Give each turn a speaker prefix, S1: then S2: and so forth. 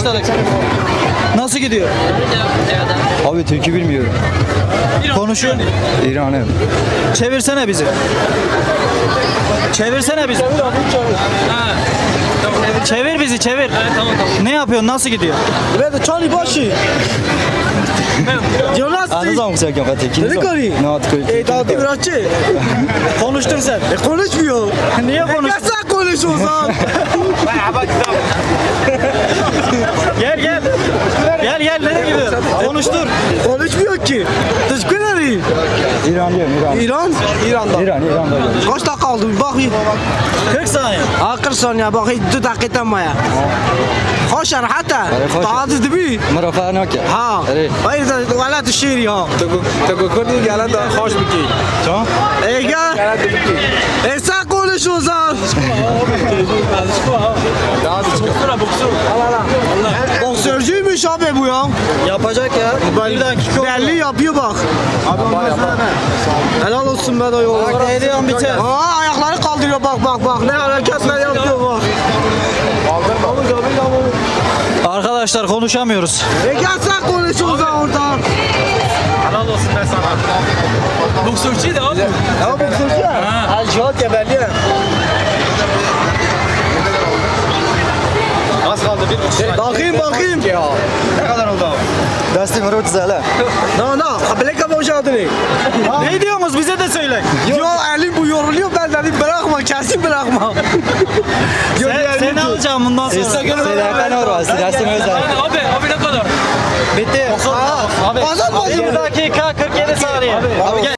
S1: başladık. Nasıl gidiyor?
S2: Abi Türk'ü bilmiyorum.
S1: Konuşuyor.
S2: İran'ı.
S1: Çevirsene bizi. Çevirsene bizi. Çevir bizi, çevir. Ne yapıyorsun? Nasıl gidiyor?
S3: Ben Charlie başı. Jonas.
S2: Anladın mı sen kafada?
S3: Ne kari?
S2: Ne atıyor?
S3: Dağıtı bırakçı.
S1: Konuştun sen.
S3: Konuşmuyor.
S1: Niye konuştun?
S3: Sen konuş o zaman.
S1: Gel gel. Gel gel, nereye gidiyorsun? Konuştur.
S3: Konuşmuyor ki. Teşekkür ederim.
S2: İran diyorum İran.
S3: İran? İran'da.
S2: İran'da.
S3: Kaç dakika aldı? Bir bakayım.
S1: 40 saniye.
S3: 40 saniye bakayım. 2 dakika maya. خوش راحته
S2: خوش.
S3: تعال تدبي
S2: مرافع ناكل.
S3: ها غير ولا تشيري ها
S4: تقول كل قالت خوش بكي
S2: شو؟
S3: ايجا اسا كل شو صار boksörcüymüş abi bu ya.
S1: Yapacak ya. Bir dakika.
S3: Belli yapıyor bak. Helal olsun be dayı.
S1: Ediyorum biter.
S3: Aa ayakları kaldırıyor bak. Ne hareketler yapıyor bak.
S1: Arkadaşlar konuşamıyoruz.
S3: Gel sen konuşuyorsun oradan.
S4: helal olsun ben sana. Boksörcüydü abi.
S3: Ya boksörcü ya. Ha. Cihat ya belli.
S4: Az kaldı 1,5
S3: Bakayım.
S4: Ne kadar oldu abi?
S2: Desti مرات زله.
S3: Na bilek boşadını.
S1: Ne diyorsunuz? Bize de söyle.
S3: Yo elim bu yoruluyor ben dedim bırakma kesin bırakma.
S1: Seni alacağım bundan sonra.
S2: Selahattin orası. Desti özel.
S4: Abi ne kadar?
S1: Bitti.
S3: Abi.
S1: 1 dakika 47 saniye. Abi gel.